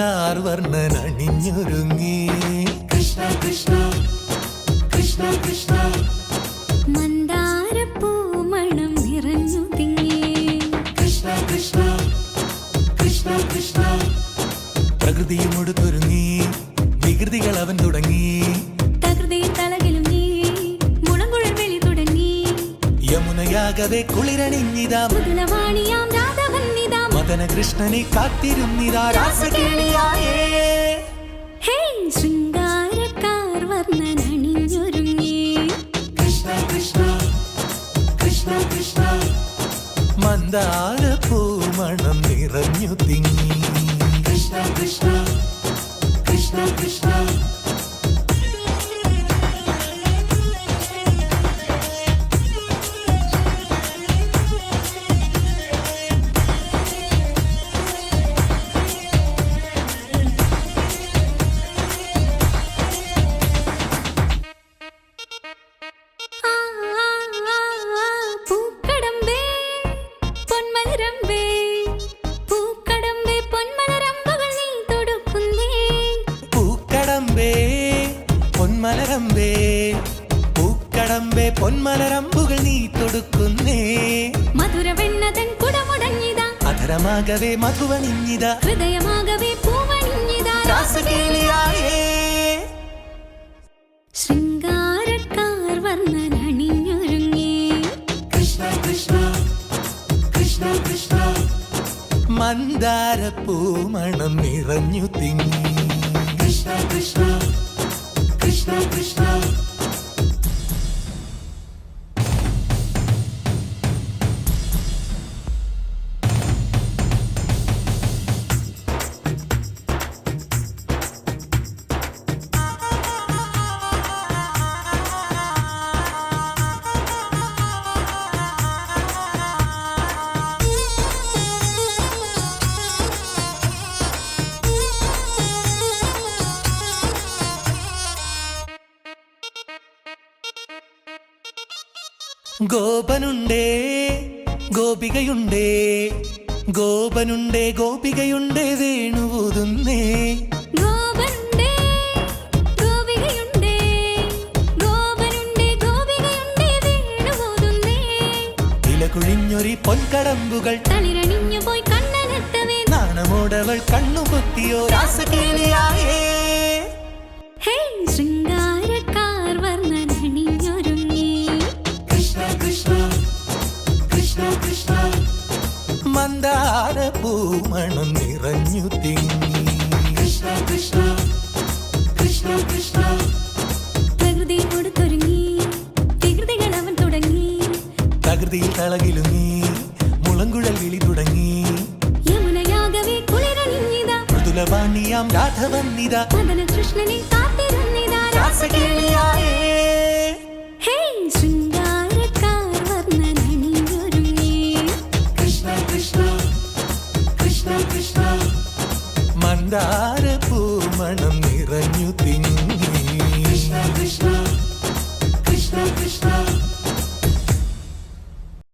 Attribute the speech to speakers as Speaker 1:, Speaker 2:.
Speaker 1: കാർവർണ്ണൻ അണിഞ്ഞൊരുങ്ങി
Speaker 2: കൃഷ്ണ കൃഷ്ണ കൃഷ്ണ കൃഷ്ണ
Speaker 3: മന്ദാരപ്പൂമണം നിറഞ്ഞു തിങ്ങി
Speaker 2: കൃഷ്ണ കൃഷ്ണ കൃഷ്ണ കൃഷ്ണ
Speaker 1: പ്രകൃതിയും ഒടുത്തൊരുങ്ങി വികൃതികൾ അവൻ തുടങ്ങി
Speaker 3: തകൃതിയിൽ തളകിലും നീ മുളങ്കുഴൽ വെളി തുടങ്ങി
Speaker 1: യമുനയാകവെ കുളിരണിഞ്ഞിതാ
Speaker 3: മൃദുലവാണിയാം രാധവന്നിതാ
Speaker 1: മദന കൃഷ്ണനെ കാത്തിരുന്നിതാ രാസകേളിയായേ
Speaker 3: ഹേ ശൃംഗാരക്കാർ വർണ്ണൻ അണിഞ്ഞൊരുങ്ങി
Speaker 2: കൃഷ്ണ കൃഷ്ണ കൃഷ്ണ കൃഷ്ണ
Speaker 1: മന്ദാരപ്പൂമണം നിറഞ്ഞു തിങ്ങി
Speaker 2: കൃഷ്ണ കൃഷ്ണ കൃഷ്ണ കൃഷ്ണ
Speaker 3: പൂക്കടമ്പേ പൊന്മലരമ്പേ പൂക്കടമ്പേ പൊന്മലരമ്പുകൾ നീ തൊടുക്കുന്നേ
Speaker 1: പൂക്കടമ്പേ പൊന്മലരമ്പേ പൂക്കടമ്പേ പൊന്മലരമ്പുകൾ നീ തൊടുക്കുന്നേ
Speaker 3: മധുരവെണ്ണതൻ കുടമുടഞ്ഞിതാ
Speaker 1: അധരമാകവേ മധുവണിഞ്ഞിതാ
Speaker 3: ഹൃദയമാകവേ പൂവണിഞ്ഞിതാ
Speaker 1: രാസകേളിയായേ
Speaker 3: ശൃംഗാരക്കാർ വർണ്ണൻ അണിഞ്ഞൊരുങ്ങി
Speaker 2: കൃഷ്ണ കൃഷ്ണ കൃഷ്ണ കൃഷ്ണ
Speaker 1: മന്ദാരപ്പൂമണം നിറഞ്ഞു തിങ്ങി
Speaker 2: കൃഷ്ണ കൃഷ്ണ കൃഷ്ണ കൃഷ്ണ
Speaker 1: ഗോപനുണ്ടേ ഗോപികയുണ്ടേ ഗോപനുണ്ടേ ഗോപികയുണ്ടേ വേണുവൂതുന്നേ
Speaker 3: ഗോപനുണ്ടേ ഗോപികയുണ്ടേ ഗോപനുണ്ടേ ഗോപികയുണ്ടേ വേണുപോതുന്നേ
Speaker 1: ഇലകുഴിഞ്ഞൊരി പൊൻകടമ്പുകൾ
Speaker 3: തളിരണിഞ്ഞു പോയി കണ്ണനെത്തവേ
Speaker 1: നാണമോടവൾ കണ്ണുപൊത്തിയോ രാസകേളിയായേ
Speaker 3: ഹേ ശൃംഗാരക്കാർ വർണ്ണൻ അണിഞ്ഞൊരുങ്ങി
Speaker 2: കൃഷ്ണ കൃഷ്ണ കൃഷ്ണ കൃഷ്ണ
Speaker 1: മന്ദാരപ്പൂമണം നിറഞ്ഞു തിങ്ങി
Speaker 2: കൃഷ്ണ കൃഷ്ണ കൃഷ്ണ കൃഷ്ണ
Speaker 3: പ്രകൃതിയോട് തുടങ്ങി വികൃതികൾ അവൻ തുടങ്ങി
Speaker 1: തകൃതിയിൽ തളകിലുങ്ങി മുളങ്കുഴൽ വിളി തുടങ്ങി
Speaker 3: യമുനയാകവേ കുളിരണിഞ്ഞിതാ
Speaker 1: മൃദുലവാണിയാം രാധവന്നിതാ